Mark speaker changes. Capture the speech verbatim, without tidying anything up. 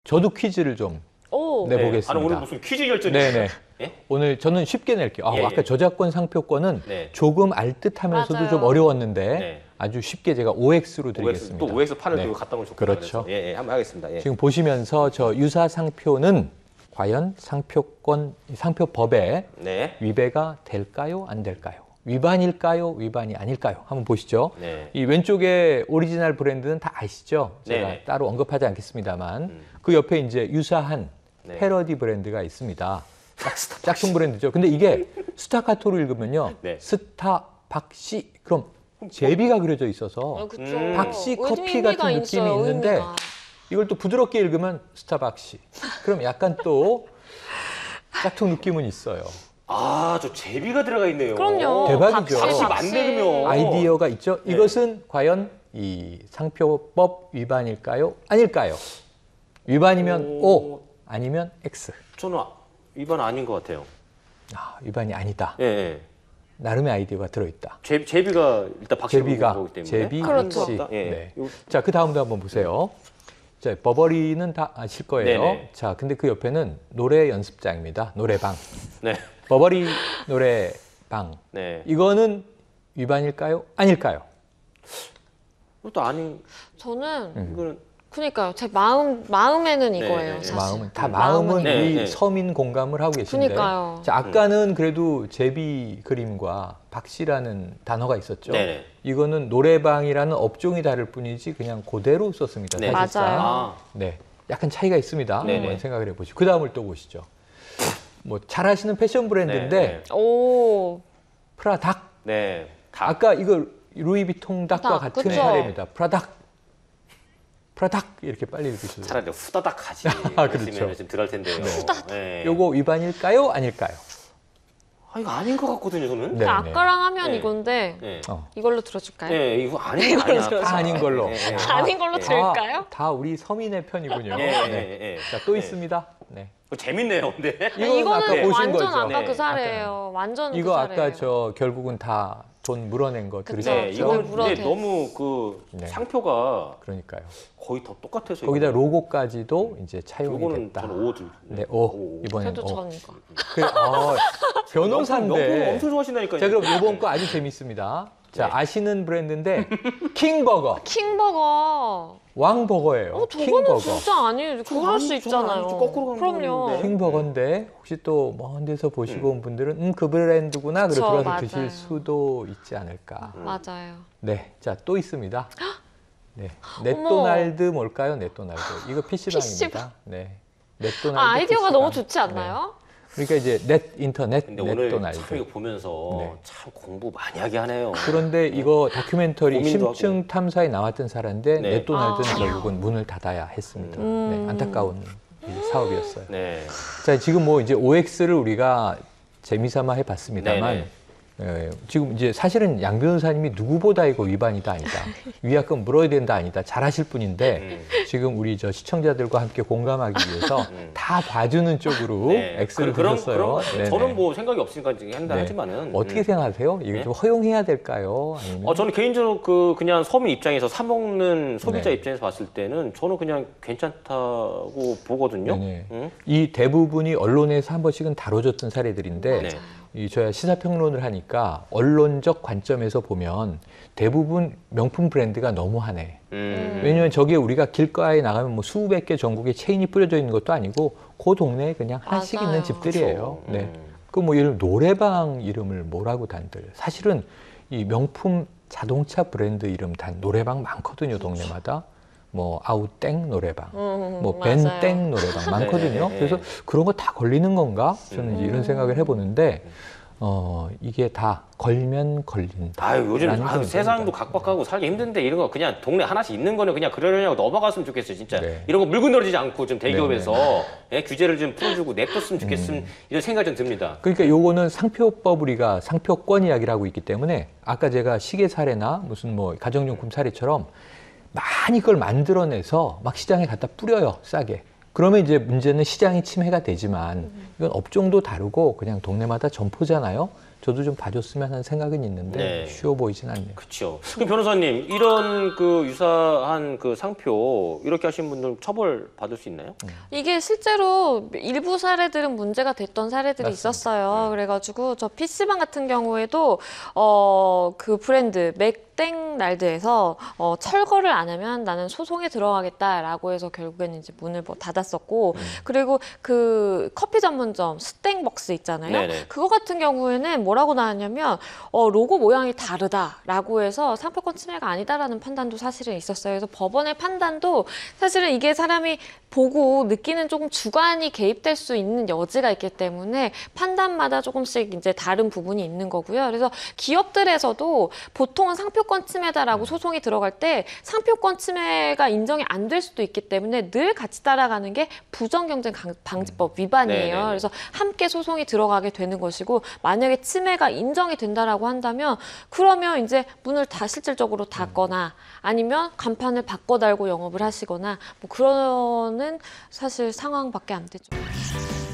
Speaker 1: 저도 퀴즈를 좀
Speaker 2: 오.
Speaker 1: 내보겠습니다.
Speaker 3: 네. 아, 오늘 무슨 퀴즈 결전이
Speaker 1: 네네.
Speaker 3: 예?
Speaker 1: 오늘 저는 쉽게 낼게요. 아,
Speaker 3: 예, 예.
Speaker 1: 아까 저작권 상표권은
Speaker 3: 네.
Speaker 1: 조금 알듯하면서도
Speaker 2: 맞아요.
Speaker 1: 좀 어려웠는데
Speaker 3: 네.
Speaker 1: 아주 쉽게 제가 오엑스로
Speaker 3: 오엑스,
Speaker 1: 드리겠습니다.
Speaker 3: 또 오엑스 판을
Speaker 1: 네.
Speaker 3: 또 갖다 놓으셨고
Speaker 1: 그렇죠.
Speaker 3: 예, 예, 한번 하겠습니다. 예.
Speaker 1: 지금 보시면서 저 유사 상표는 과연 상표권, 상표법에
Speaker 3: 네.
Speaker 1: 위배가 될까요? 안 될까요? 위반일까요? 위반이 아닐까요? 한번 보시죠.
Speaker 3: 네.
Speaker 1: 이 왼쪽에 오리지널 브랜드는 다 아시죠? 제가
Speaker 3: 네네.
Speaker 1: 따로 언급하지 않겠습니다만
Speaker 3: 음.
Speaker 1: 그 옆에 이제 유사한
Speaker 3: 네.
Speaker 1: 패러디 브랜드가 있습니다. 짝퉁 브랜드죠. 근데 이게 스타카토로 읽으면요.
Speaker 3: 네.
Speaker 1: 스타박시. 그럼 제비가 그려져 있어서
Speaker 2: 어, 그쵸.
Speaker 3: 음.
Speaker 1: 박씨 커피
Speaker 2: 의미가
Speaker 1: 같은 느낌이
Speaker 2: 있어요,
Speaker 1: 있는데
Speaker 2: 의미가.
Speaker 1: 이걸 또 부드럽게 읽으면 스타박시. 그럼 약간 또 짝퉁 느낌은 있어요.
Speaker 3: 아, 저 제비가 들어가 있네요.
Speaker 2: 그럼요.
Speaker 1: 대박이죠.
Speaker 3: 박씨
Speaker 2: 박씨.
Speaker 3: 만들면
Speaker 1: 아이디어가 있죠.
Speaker 3: 네.
Speaker 1: 이것은 과연 이 상표법 위반일까요? 아닐까요? 위반이면
Speaker 3: 오.
Speaker 1: O, 아니면 X.
Speaker 3: 저는 아- 위반 아닌 것 같아요.
Speaker 1: 아, 위반이 아니다.
Speaker 3: 예, 예.
Speaker 1: 나름의 아이디어가 들어있다.
Speaker 3: 제, 제비가 일단 박씨로
Speaker 1: 제비가,
Speaker 3: 보기 때문에
Speaker 1: 제비,
Speaker 3: 아닌 것
Speaker 1: 박씨.
Speaker 3: 같다. 예.
Speaker 1: 네.
Speaker 3: 요-
Speaker 1: 자, 그 다음도 한번 보세요. 자, 버버리는 다 아실 거예요.
Speaker 3: 네네.
Speaker 1: 자, 근데 그 옆에는 노래 연습장입니다. 노래방.
Speaker 3: 네.
Speaker 1: 버버리 노래방.
Speaker 3: 네.
Speaker 1: 이거는 위반일까요? 아닐까요?
Speaker 3: 그것도 아닌
Speaker 2: 저는
Speaker 1: 음.
Speaker 3: 이거는
Speaker 2: 그러니까요. 제 마음 마음에는
Speaker 3: 네,
Speaker 2: 이거예요.
Speaker 3: 네, 네.
Speaker 2: 사실.
Speaker 1: 마음은 다
Speaker 2: 음,
Speaker 1: 마음은
Speaker 3: 네,
Speaker 1: 우리
Speaker 3: 네.
Speaker 1: 서민 공감을 하고 계신데.
Speaker 2: 그러니까요.
Speaker 1: 자, 아까는 그래도 제비 그림과 박씨라는 단어가 있었죠.
Speaker 3: 네네.
Speaker 1: 이거는 노래방이라는 업종이 다를 뿐이지 그냥 그대로 썼습니다.
Speaker 3: 네.
Speaker 1: 사실상.
Speaker 2: 맞아요.
Speaker 3: 아,
Speaker 1: 네, 약간 차이가 있습니다.
Speaker 3: 네네.
Speaker 1: 한번 생각을 해보시고 그 다음을 또 보시죠. 뭐 잘 아시는 패션 브랜드인데
Speaker 3: 네, 네.
Speaker 2: 오.
Speaker 1: 프라닥.
Speaker 3: 네. 다
Speaker 1: 아까 이거 루이비통 닥과
Speaker 2: 닥,
Speaker 1: 같은
Speaker 2: 그쵸?
Speaker 1: 사례입니다. 프라닥. 프라닥 이렇게 빨리 읽으셔도 돼요.
Speaker 3: 차라리 후다닥 하지.
Speaker 1: 아, 그렇죠.
Speaker 3: 그랬으면 좀 덜할 텐데요. 후다닥. 네.
Speaker 1: 요거 위반일까요? 아닐까요?
Speaker 3: 아, 이거 아닌 것 같거든요, 저는.
Speaker 1: 네.
Speaker 2: 아까랑 하면
Speaker 3: 네.
Speaker 2: 이건데
Speaker 3: 네.
Speaker 1: 어.
Speaker 2: 이걸로 들어줄까요?
Speaker 3: 네, 이거 아닌 거 아니야.
Speaker 2: 들어서.
Speaker 1: 다 아닌 걸로.
Speaker 3: 네, 네.
Speaker 2: 아닌 걸로
Speaker 3: 네.
Speaker 2: 들을까요?
Speaker 1: 다, 다 우리 서민의 편이군요.
Speaker 3: 예,
Speaker 1: 네.
Speaker 3: 예, 예.
Speaker 1: 자, 또
Speaker 3: 네.
Speaker 1: 있습니다. 네.
Speaker 3: 그거 재밌네요, 근데.
Speaker 1: 이거는
Speaker 2: 이거는
Speaker 1: 아까 보신
Speaker 2: 완전
Speaker 1: 거죠.
Speaker 2: 아까
Speaker 3: 네.
Speaker 2: 그 사례예요. 완전
Speaker 1: 이거
Speaker 2: 그
Speaker 1: 아까
Speaker 2: 사례예요.
Speaker 1: 저 결국은 다 돈 물어낸 거
Speaker 2: 그쵸.
Speaker 1: 들으셨죠?
Speaker 3: 네,
Speaker 2: 저
Speaker 3: 이거는
Speaker 2: 물어도
Speaker 3: 근데
Speaker 2: 돼.
Speaker 3: 너무 그
Speaker 1: 네.
Speaker 3: 상표가
Speaker 1: 그러니까요.
Speaker 3: 거의 다 똑같아서
Speaker 1: 거기다
Speaker 3: 이거.
Speaker 1: 로고까지도 이제 차용이
Speaker 3: 요거는
Speaker 1: 됐다.
Speaker 3: 저는 오 줄.
Speaker 1: 네, 오. 이번엔
Speaker 2: 저도
Speaker 1: 오.
Speaker 2: 전 이거.
Speaker 1: 그래, 어,
Speaker 3: 명품
Speaker 1: 변호사인데.
Speaker 3: 엄청 좋아하신다니까요.
Speaker 1: 자, 그럼 이번 거 아주 재밌습니다. 자,
Speaker 3: 네.
Speaker 1: 아시는 브랜드인데 킹버거,
Speaker 2: 킹버거.
Speaker 1: 왕버거예요.
Speaker 2: 어, 저거는
Speaker 1: 킹버거.
Speaker 2: 진짜 아니에요. 그럴
Speaker 3: 아니,
Speaker 2: 수
Speaker 3: 저는
Speaker 2: 있잖아요.
Speaker 3: 아니죠. 거꾸로 가는
Speaker 2: 그럼요.
Speaker 3: 거는데.
Speaker 1: 킹버거인데 혹시 또 먼 데서 보시고 온 분들은 음, 그 브랜드구나. 그래
Speaker 2: 그쵸,
Speaker 1: 들어가서
Speaker 2: 맞아요.
Speaker 1: 드실 수도 있지 않을까.
Speaker 3: 음.
Speaker 2: 맞아요.
Speaker 1: 네, 자, 또 있습니다. 네, 넷도날드 뭘까요? 넷도날드. 이거 피시방입니다. 네, 넷도날드.
Speaker 2: 아, 아이디어가
Speaker 1: 피시방.
Speaker 2: 너무 좋지 않나요?
Speaker 1: 네. 그러니까 이제 넷 인터넷
Speaker 3: 근데 오늘
Speaker 1: 넷도날드.
Speaker 3: 참 이거 보면서
Speaker 1: 네.
Speaker 3: 참 공부 많이 하게 하네요.
Speaker 1: 그런데 이거 다큐멘터리
Speaker 3: 고민도
Speaker 1: 심층 탐사에 나왔던 사례인데
Speaker 3: 네.
Speaker 1: 넷도날드는
Speaker 2: 아.
Speaker 1: 결국은 문을 닫아야 했습니다.
Speaker 2: 음.
Speaker 1: 네, 안타까운 이 사업이었어요.
Speaker 3: 네.
Speaker 1: 자, 지금 뭐 이제 오엑스를 우리가 재미삼아 해봤습니다만
Speaker 3: 네네.
Speaker 1: 에, 지금 이제 사실은 양 변호사님이 누구보다 이거 위반이다 아니다. 위약금 물어야 된다 아니다. 잘하실 분인데
Speaker 3: 음.
Speaker 1: 지금 우리 저 시청자들과 함께 공감하기 위해서
Speaker 3: 음.
Speaker 1: 다 봐주는 쪽으로
Speaker 3: 네.
Speaker 1: X를
Speaker 3: 그런-
Speaker 1: 드렸어요.
Speaker 3: 그런 거-
Speaker 1: 네네.
Speaker 3: 저는 뭐 생각이 없으니까 이제 한다
Speaker 1: 네.
Speaker 3: 하지만은
Speaker 1: 어떻게
Speaker 3: 음.
Speaker 1: 생각하세요? 이거
Speaker 3: 네?
Speaker 1: 좀 허용해야 될까요? 아니면
Speaker 3: 어, 저는 개인적으로 그 그냥 서민 입장에서 사 먹는 소비자
Speaker 1: 네.
Speaker 3: 입장에서 봤을 때는 저는 그냥 괜찮다고 보거든요.
Speaker 1: 네네.
Speaker 3: 응?
Speaker 1: 이 대부분이 언론에서 한 번씩은 다뤄졌던 사례들인데
Speaker 3: 네.
Speaker 1: 이 저야 시사평론을 하니까 언론적 관점에서 보면 대부분 명품 브랜드가 너무하네.
Speaker 3: 음.
Speaker 1: 왜냐하면 저게 우리가 길가에 나가면 뭐 수백 개 전국에 체인이 뿌려져 있는 것도 아니고 그 동네에 그냥 하나씩
Speaker 2: 맞아요.
Speaker 1: 있는 집들이에요.
Speaker 3: 그렇죠.
Speaker 1: 네.
Speaker 3: 음.
Speaker 1: 그 뭐 예를 들어 노래방 이름을 뭐라고 단들. 사실은 이 명품 자동차 브랜드 이름 단 노래방 많거든요, 동네마다. 뭐 아우땡 노래방.
Speaker 2: 음,
Speaker 1: 뭐
Speaker 2: 맞아요.
Speaker 1: 벤땡 노래방 많거든요.
Speaker 3: 네, 네.
Speaker 1: 그래서 그런 거 다 걸리는 건가? 저는 이제 이런
Speaker 2: 음.
Speaker 1: 생각을 해보는데 어 이게 다 걸면 걸린다.
Speaker 3: 아유 요즘
Speaker 1: 라는
Speaker 3: 아유,
Speaker 1: 생각이
Speaker 3: 세상도
Speaker 1: 듭니다.
Speaker 3: 각박하고 살기 힘든데 이런 거 그냥 동네 하나씩 있는 거는 그냥 그러려냐고 넘어갔으면 좋겠어요 진짜.
Speaker 1: 네.
Speaker 3: 이런 거 물고 늘어지지 않고 좀 대기업에서
Speaker 1: 네,
Speaker 3: 예, 규제를 좀 풀어주고 냅뒀으면 좋겠음 이런 생각이 좀 듭니다.
Speaker 1: 그러니까 요거는 상표법 우리가 상표권 이야기를 하고 있기 때문에 아까 제가 시계 사례나 무슨 뭐 가정용품 사례처럼 많이 그걸 만들어내서 막 시장에 갖다 뿌려요, 싸게. 그러면 이제 문제는 시장이 침해가 되지만 이건 업종도 다르고 그냥 동네마다 점포잖아요. 저도 좀 봐줬으면 하는 생각은 있는데
Speaker 3: 네.
Speaker 1: 쉬워 보이진 않네요.
Speaker 3: 그렇죠. 그럼 변호사님 이런 그 유사한 그 상표 이렇게 하신 분들 처벌 받을 수 있나요?
Speaker 2: 이게 실제로 일부 사례들은 문제가 됐던 사례들이
Speaker 1: 맞습니다.
Speaker 2: 있었어요. 그래가지고 저 피시방 같은 경우에도 어, 그 브랜드 맥땡날드에서 어, 철거를 안 하면 나는 소송에 들어가겠다라고 해서 결국에는 이제 문을 뭐 닫았었고
Speaker 3: 음.
Speaker 2: 그리고 그 커피 전문점 스땡벅스 있잖아요.
Speaker 3: 네네.
Speaker 2: 그거 같은 경우에는 뭐라고 나왔냐면 어, 로고 모양이 다르다라고 해서 상표권 침해가 아니다라는 판단도 사실은 있었어요. 그래서 법원의 판단도 사실은 이게 사람이 보고 느끼는 조금 주관이 개입될 수 있는 여지가 있기 때문에 판단마다 조금씩 이제 다른 부분이 있는 거고요. 그래서 기업들에서도 보통은 상표권 침해다라고 소송이 들어갈 때 상표권 침해가 인정이 안 될 수도 있기 때문에 늘 같이 따라가는 게 부정경쟁 강- 방지법 위반이에요.
Speaker 3: 네네네.
Speaker 2: 그래서 함께 소송이 들어가게 되는 것이고 만약에 침해가 인정이 된다라고 한다면 그러면 이제 문을 다 실질적으로 닫거나 아니면 간판을 바꿔 달고 영업을 하시거나 뭐 그러는 사실 상황밖에 안 되죠.